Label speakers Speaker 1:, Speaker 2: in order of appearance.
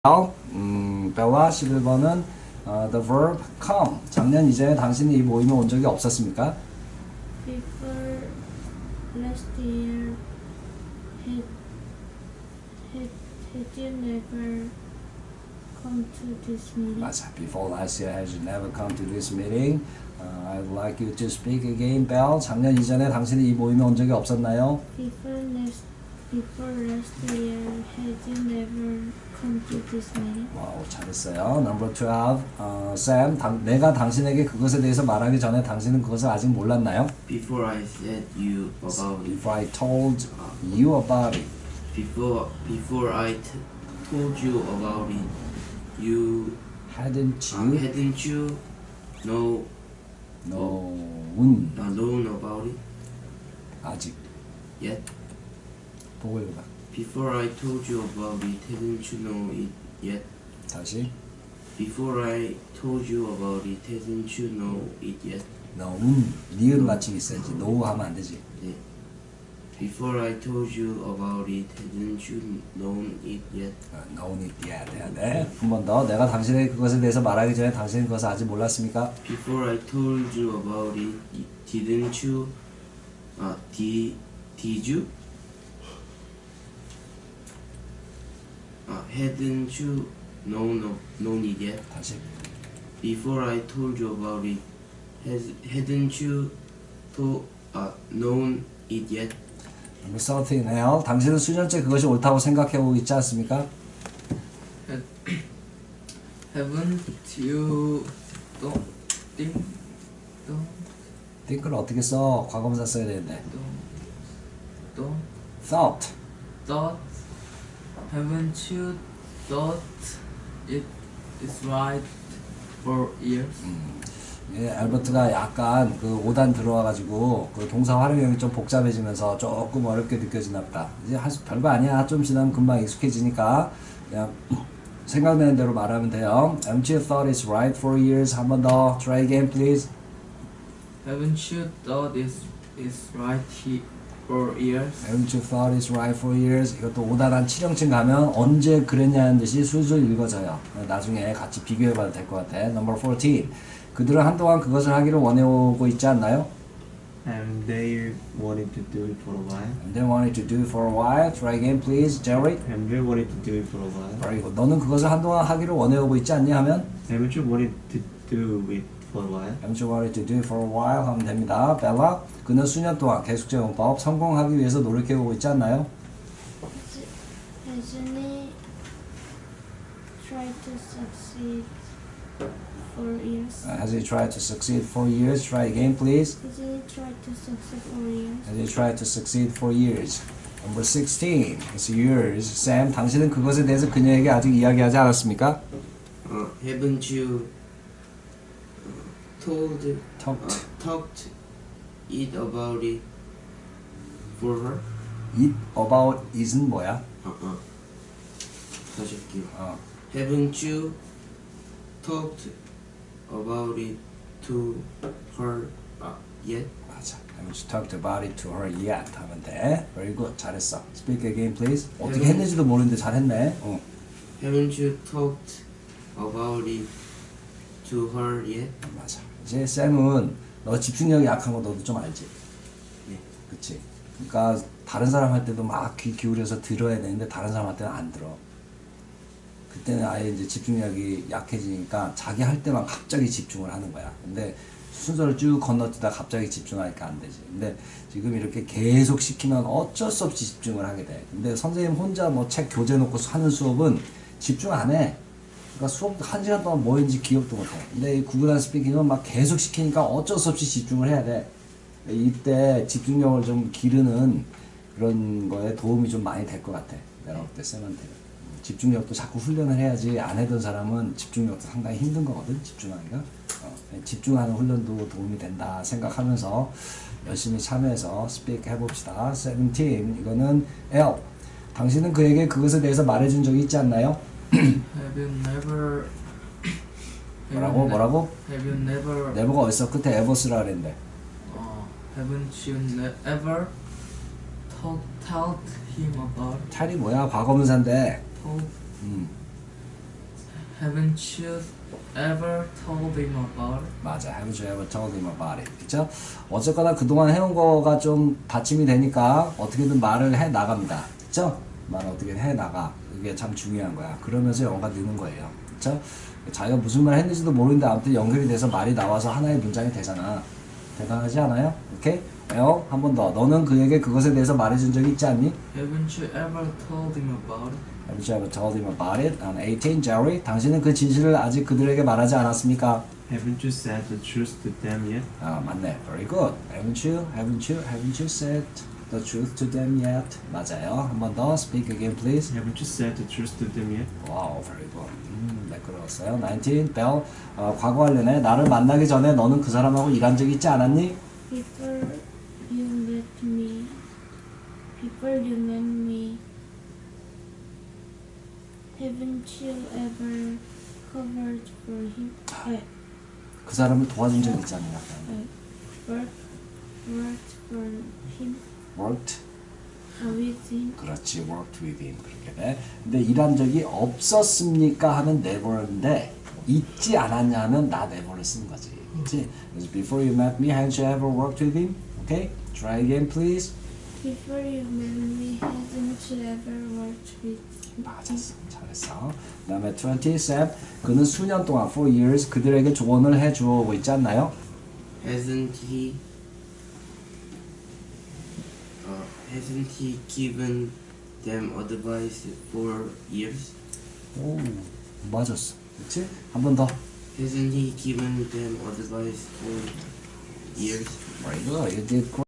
Speaker 1: 벨라 11번은 the verb come. 작년 이전에 당신이 이 모임에 온 적이 없었습니까?
Speaker 2: Before last year, had you never come to this meeting?
Speaker 1: 맞아. Before last year, had you never come to this meeting? I'd like you to speak again, Bell. 작년 이전에 당신이 이 모임에 온 적이 없었나요?
Speaker 2: Before last year, had you never come to this meeting?
Speaker 1: 와우, 잘했어요. Number 12, Sam. 내가 당신에게 그것에 대해서 말하기 전에 당신은 그것을 아직 몰랐나요?
Speaker 3: Before I said you about it.
Speaker 1: Before I told you about it.
Speaker 3: Before I told you about it, you
Speaker 1: Hadn't you known
Speaker 3: about it
Speaker 1: 아직
Speaker 3: yet?
Speaker 1: 보고 읽어봐.
Speaker 3: Before I told you about it, hadn't you know it yet?
Speaker 1: 다시.
Speaker 3: Before I told you about it, hadn't you know it yet?
Speaker 1: 니은 맞춤 있어야지. no 하면 안 되지.
Speaker 3: 네. Before I told you about it, hadn't you known it yet?
Speaker 1: known it yet 해야 돼. 한 번 더. 내가 당신에게 그것에 대해서 말하기 전에 당신은 그것을 아직 몰랐습니까?
Speaker 3: Before I told you about it, didn't you? Did you? Hadn't you known it yet?
Speaker 1: 다시.
Speaker 3: Before I told you about it, hadn't you known it yet?
Speaker 1: Number 13, 당신은 수년째 그것이 옳다고 생각해오고 있지 않습니까?
Speaker 4: Haven't you
Speaker 1: think를 어떻게 써? 과거분사 써야 되는데. thought.
Speaker 4: haven't you thought it is right for years?
Speaker 1: 예, 알버트가 약간 그 5단 들어와가지고 그 동사 활용형이 좀 복잡해지면서 조금 어렵게 느껴지나 보다. 이제 별거 아니야. 좀 지나면 금방 익숙해지니까 그냥 생각나는 대로 말하면 돼요. Haven't you thought it's right for years? 한 번 더. Try again, please.
Speaker 4: Haven't you thought it is right for years?
Speaker 1: Haven't you thought it's right for years? 이것도 5단 한 7형층 가면 언제 그랬냐는 듯이 술술 읽어져요. 나중에 같이 비교해봐도 될 것 같아. Number 14. 그들은 한동안 그것을 하기를 원해오고 있지 않나요?
Speaker 5: And they wanted to do it for a while.
Speaker 1: And they wanted to do it for a while. Try again, please, Jerry.
Speaker 5: And they wanted to do it for a while.
Speaker 1: Very good. 너는 그것을 한동안 하기를 원해오고 있지 않니? 하면
Speaker 5: Haven't you wanted to do it for a while?
Speaker 1: Haven't you wanted to do it for a while? 하면 됩니다. 벨라, 그는 수년 동안 계속제공법 성공하기 위해서 노력해오고 있지 않나요?
Speaker 2: Hasn't he tried to succeed for years?
Speaker 1: Has he tried to succeed for years? Try again, please.
Speaker 2: Hasn't he tried to succeed for years?
Speaker 1: Has he tried to succeed for years? Number 16. It's yours. Sam, 당신은 그것에 대해서 그녀에게 아직 이야기하지 않았습니까?
Speaker 3: Haven't you talked it about it for her?
Speaker 1: It about is는 뭐야?
Speaker 3: 다시 할게요. Haven't you talked about it to her yet?
Speaker 1: 맞아. Haven't you talked about it to her yet? 하면 돼. Very good. 잘했어. Speak again, please. 어떻게 했는지도 모르는데 잘했네.
Speaker 3: Haven't you talked about it to her yet?
Speaker 1: 맞아. 이제 쌤은 너 집중력이 약한 거 너도 좀 알지?
Speaker 3: 네.
Speaker 1: 그치? 그러니까 다른 사람 할 때도 막 귀 기울여서 들어야 되는데 다른 사람 할 때는 안 들어. 그때는 아예 이제 집중력이 약해지니까 자기 할 때만 갑자기 집중을 하는 거야. 근데 순서를 쭉 건너뛰다 갑자기 집중하니까 안 되지. 근데 지금 이렇게 계속 시키면 어쩔 수 없이 집중을 하게 돼. 근데 선생님 혼자 뭐 책 교재 놓고 하는 수업은 집중 안 해. 그러니까 수업 1시간 동안 뭐 했는지 기억도 못 해. 근데 이 구글 앤 스피킹은 막 계속 시키니까 어쩔 수 없이 집중을 해야 돼. 이때 집중력을 좀 기르는 그런 거에 도움이 좀 많이 될 것 같아. 내가 볼 때 쌤한테. 집중력도 자꾸 훈련을 해야지 안 해던 사람은 집중력도 상당히 힘든 거거든. 집중하기가. 집중하는 훈련도 도움이 된다 생각하면서 열심히 참여해서 스피크 해봅시다. 17. 이거는 L. 당신은 그에게 그것에 대해서 말해준 적이 있지 않나요?
Speaker 4: Have you never
Speaker 1: 뭐라고?
Speaker 4: Have you never
Speaker 1: never가 어딨어? 끝에 ever 쓰라 그랬는데.
Speaker 4: Haven't you ever told him about
Speaker 1: 탈이 뭐야? 과거분사인데.
Speaker 4: told Haven't you ever told him about it?
Speaker 1: 맞아. Haven't you ever told him about it? 그쵸? 어쨌거나 그동안 해온 거가 좀 받침이 되니까 어떻게든 말을 해 나갑니다. 그쵸? 말 어떻게 해 나가. 이게 참 중요한 거야. 그러면서 영어가 느는 거예요. 그쵸? 자기가 무슨 말 했는지도 모르는데 아무튼 연결이 돼서 말이 나와서 하나의 문장이 되잖아. 대단하지 않아요? 오케이? 한 번 더. 너는 그에게 그것에 대해서 말해준 적이 있지 않니?
Speaker 4: Haven't you ever told him about it?
Speaker 1: Haven't you ever told him about it? On 18, Jerry. 당신은 그 진실을 아직 그들에게 말하지 않았습니까?
Speaker 5: Haven't you said the truth to them yet?
Speaker 1: 아, 맞네. Very good. Haven't you said the truth to them yet? 맞아요. 한 번 더. Speak again, please.
Speaker 5: Haven't you said the truth to them yet?
Speaker 1: Wow, very good. 매끄러웠어요. 19, Bell. 과거 관련해. 나를 만나기 전에 너는 그 사람하고 일한 적 있지 않았니?
Speaker 2: Before you met me, haven't you ever covered for him?
Speaker 1: 그 사람을 도와준 적 있지 않냐?
Speaker 2: Worked for him,
Speaker 1: Worked.
Speaker 2: with him.
Speaker 1: 그렇지. Worked with him. 그렇게 돼. 근데 일한 적이 없었습니까? 하면 never인데 있지 않았냐 하면 not ever를 쓰는 거지. 그렇지? 그래서 before you met me, haven't you ever worked with him? Okay? Try again, please.
Speaker 2: Before you met me, haven't you ever worked with him?
Speaker 1: 맞았어. 잘했어. 그 다음에 20, Sam. 그는 수년 동안, for years, 그들에게 조언을 해주고 있지 않나요?
Speaker 3: Hasn't he given them advice for years?
Speaker 1: 오, 맞았어. 그렇지? 한 번 더.
Speaker 3: Hasn't he given them advice for years?
Speaker 1: Very good. You did great.